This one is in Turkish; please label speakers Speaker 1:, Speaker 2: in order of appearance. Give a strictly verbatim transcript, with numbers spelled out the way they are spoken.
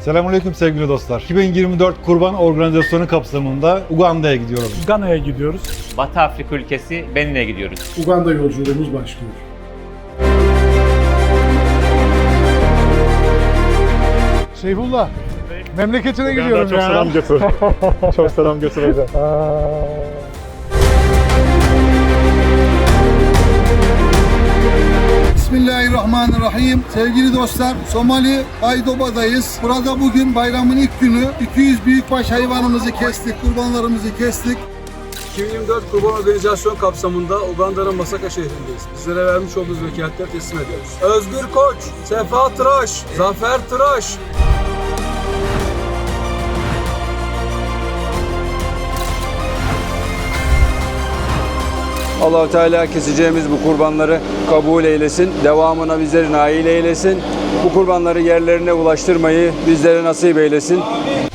Speaker 1: Selamünaleyküm sevgili dostlar. iki bin yirmi dört Kurban Organizasyonu kapsamında Uganda'ya gidiyorum.
Speaker 2: Gana'ya gidiyoruz.
Speaker 3: Batı Afrika ülkesi Benin'e gidiyoruz.
Speaker 4: Uganda yolculuğumuz başlıyor.
Speaker 2: Seyfullah, memleketine gidiyorum
Speaker 5: çok
Speaker 2: ya.
Speaker 5: selam götür. Çok selam götür hocam.
Speaker 4: Bismillahirrahmanirrahim. Sevgili dostlar, Somali Baydoba'dayız. Burada bugün bayramın ilk günü. iki yüz büyükbaş hayvanımızı kestik, kurbanlarımızı kestik.
Speaker 6: iki bin yirmi dört Kurban Organizasyon kapsamında Uganda'nın Masaka şehrindeyiz. Bizlere vermiş olduğunuz vekaletleri teslim ediyoruz. Özgür Koç, Sefa Tıraş, Zafer Tıraş.
Speaker 7: Allah-u Teala keseceğimiz bu kurbanları kabul eylesin. Devamına bizleri nail eylesin. Bu kurbanları yerlerine ulaştırmayı bizlere nasip eylesin.